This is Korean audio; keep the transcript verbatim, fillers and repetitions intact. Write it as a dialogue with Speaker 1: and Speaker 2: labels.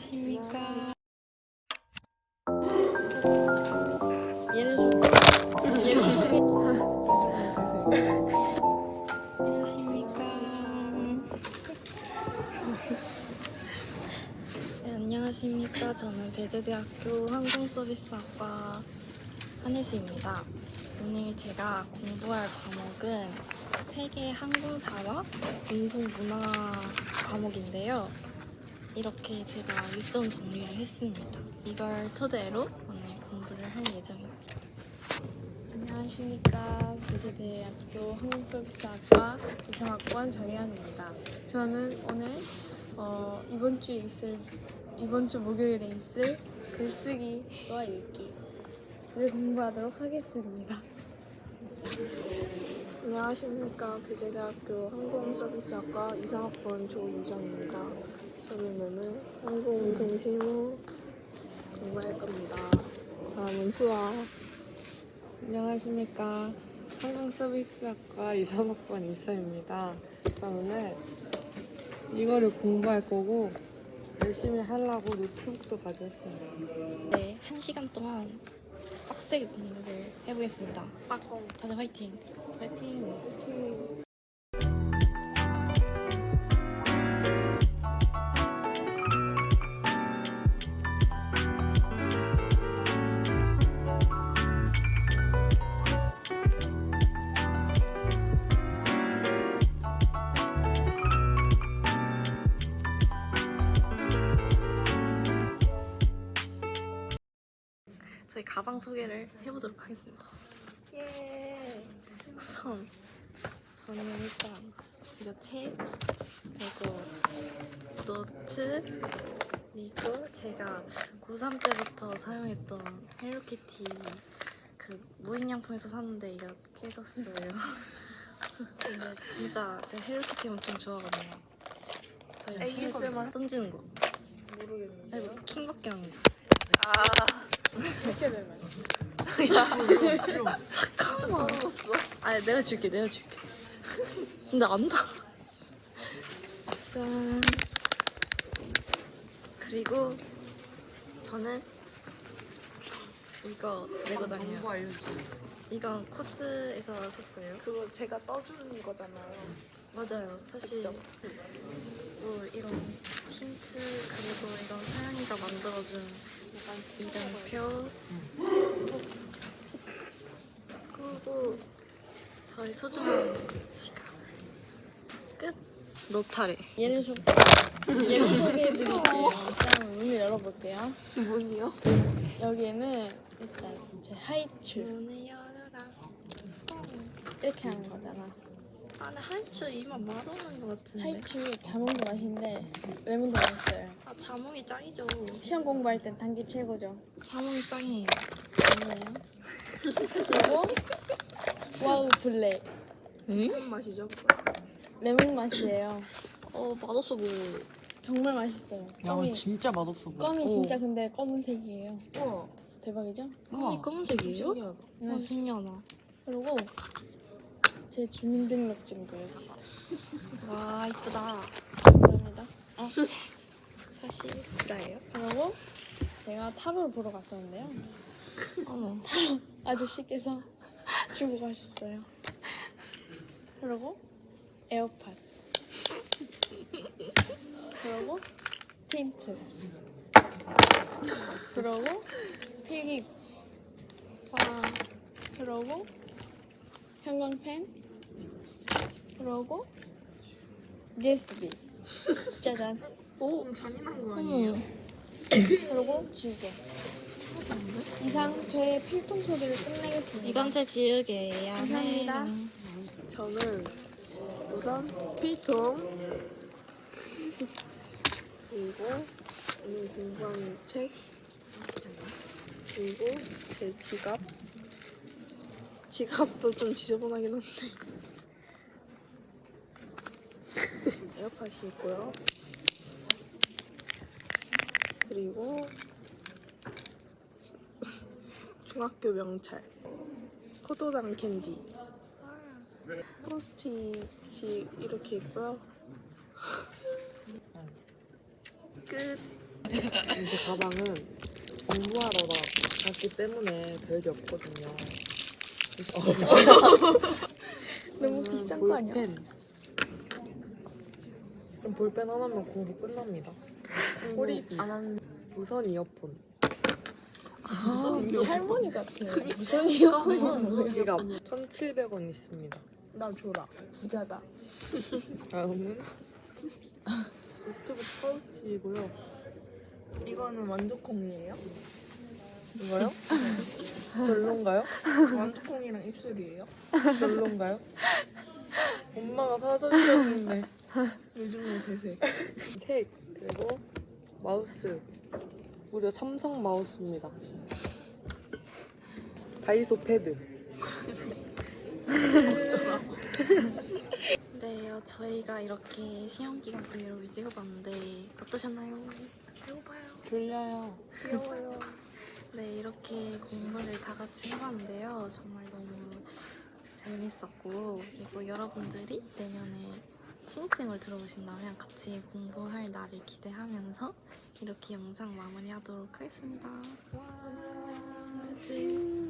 Speaker 1: 안녕하십니까. 얘를 좀 얘를 좀 안녕하십니까. 네, 안녕하십니까. 저는 배재대학교 항공서비스학과 한혜수입니다. 오늘 제가 공부할 과목은 세계 항공사와 운송문화 과목인데요. 이렇게 제가 일정 정리를 했습니다. 이걸 토대로 오늘 공부를 할 예정입니다.
Speaker 2: 안녕하십니까. 배재대학교 항공서비스학과 이삼 학번 정혜연입니다. 저는 오늘 어, 이번 주에 있을 이번 주 목요일에 있을 글쓰기와 읽기를 공부하도록 하겠습니다.
Speaker 3: 안녕하십니까. 배재대학교 항공서비스학과 이삼 학번 조유정입니다. 저는 오늘 항공운송 실무 공부할 겁니다. 다음은 수학.
Speaker 4: 안녕하십니까. 항공서비스학과 이삼 학번 이수입니다. 저 오늘 이거를 공부할 거고 열심히 하려고 노트북도 가져왔습니다.
Speaker 1: 네, 한 시간 동안 빡세게 공부를 해보겠습니다. 빠꼼. 다들 화이팅!
Speaker 4: 파이팅!
Speaker 1: 저희 가방 소개를 해보도록 하겠습니다.
Speaker 3: 예.
Speaker 1: 우선 저는 일단 이거 책, 그리고 노트, 그리고 제가 고삼 때부터 사용했던 헬로키티 그 무인양품에서 샀는데 이게 깨졌어요. 근데 진짜 제가 헬로키티 엄청 좋아하거든요. 저희
Speaker 3: 에이에스엠알?
Speaker 1: 던지는 거.
Speaker 3: 모르겠는데.
Speaker 1: 아이고 킹밖에 안 나.
Speaker 2: 이렇게 되면
Speaker 1: 잠깐만. 아니 내가 줄게, 내가 줄게. 근데 안 나. 짠. 그리고 저는 이거 메고 다녀요.
Speaker 4: 정보 알려주세요.
Speaker 1: 이건 코스에서 샀어요.
Speaker 3: 그거 제가 떠주는 거잖아요.
Speaker 1: 맞아요. 사실
Speaker 3: 그쵸?
Speaker 1: 뭐 이런 틴트 그리고 이런 서연이가 만들어준 이름표 그리고 저희 소중한 지갑 끝. 너 차례.
Speaker 2: 얘를 소 얘를 소개해드릴게요. 일단 문을 열어볼게요.
Speaker 3: 문이요?
Speaker 2: 여기에는 일단 제 하이츄
Speaker 1: 문을 열어라.
Speaker 2: 이렇게 하는 거잖아.
Speaker 1: 아, 근데 하이츄 이만 맛없는 것 같은데.
Speaker 2: 하이츄 자몽도 맛있는데 레몬도 맛있어요.
Speaker 1: 아, 자몽이 짱이죠.
Speaker 2: 시험 공부할 땐 단계 최고죠.
Speaker 1: 자몽이 짱이에요.
Speaker 2: 아니에요. 그리고 와우 블랙
Speaker 3: 무슨 맛이죠?
Speaker 2: 레몬 맛이에요.
Speaker 1: 어, 맛없어 보여.
Speaker 2: 정말 맛있어요.
Speaker 4: 야,
Speaker 2: 껌이,
Speaker 4: 진짜 맛없어 보여.
Speaker 2: 껌이 진짜 근데 검은색이에요.
Speaker 3: 우와.
Speaker 2: 대박이죠?
Speaker 1: 껌이 검은색이에요?
Speaker 3: 신기하다.
Speaker 1: 어, 신기하다.
Speaker 2: 그리고 제 주민등록증도 여기 있어요.
Speaker 1: 와, 이쁘다.
Speaker 2: 감사합니다. 아,
Speaker 1: 사실 브라예요?
Speaker 2: 그리고 제가 타로를 보러 갔었는데요.
Speaker 1: 어머.
Speaker 2: 아저씨께서 주고 가셨어요. 그리고 에어팟. 그리고 테이프. 그리고 필기.
Speaker 1: 와,
Speaker 2: 그리고 형광펜. 그리고 유에스비. 짜잔.
Speaker 1: 오,
Speaker 3: 좀 잔인한 거 아니에요?
Speaker 1: 어머.
Speaker 2: 그리고 지우개. 이상 저의 필통 소개를 끝내겠습니다.
Speaker 1: 이건 제 지우개예요.
Speaker 2: 감사합니다.
Speaker 1: 네.
Speaker 3: 저는 우선 필통 그리고 오늘 공부한 책 그리고 제 지갑 지갑도 좀 지저분하긴 한데 에어팟이 있고요. 그리고 중학교 명찰 포도당 캔디 포스트잇이 이렇게 있고요. 끝.
Speaker 4: 제 가방은 공부하러 갔기 때문에 별게 없거든요.
Speaker 2: 너무 비싼 거 아니야?
Speaker 4: 볼펜. 그럼 볼펜 하나면 공부 끝납니다. 호리비,
Speaker 3: 안 하는
Speaker 4: 무선 이어폰.
Speaker 2: 아, 할머니 같아. 무슨 이어폰이 뭐야?
Speaker 4: 지갑 천칠백 원 있습니다.
Speaker 3: 나 줘라.
Speaker 2: 부자다.
Speaker 4: 다음은 노트북 파우치이고요.
Speaker 3: 이거는 완두콩이에요?
Speaker 4: 이거요? 별론가요?
Speaker 3: 완두콩이랑 입술이에요?
Speaker 4: 별론가요? 엄마가 사다 주셨는데.
Speaker 3: 요즘은 대세.
Speaker 4: 책 그리고 마우스. 무려 삼성 마우스입니다. 다이소 패드.
Speaker 1: 네, 어, 저희가 이렇게 시험 기간 브이로그 찍어봤는데 어떠셨나요? 배고파요.
Speaker 4: 졸려요.
Speaker 3: 귀여워요.
Speaker 1: 네, 이렇게 공부를 다 같이 해봤는데요. 정말 너무 재밌었고, 그리고 여러분들이 내년에 신입생을 들어오신다면 같이 공부할 날을 기대하면서 이렇게 영상 마무리하도록 하겠습니다. 안녕.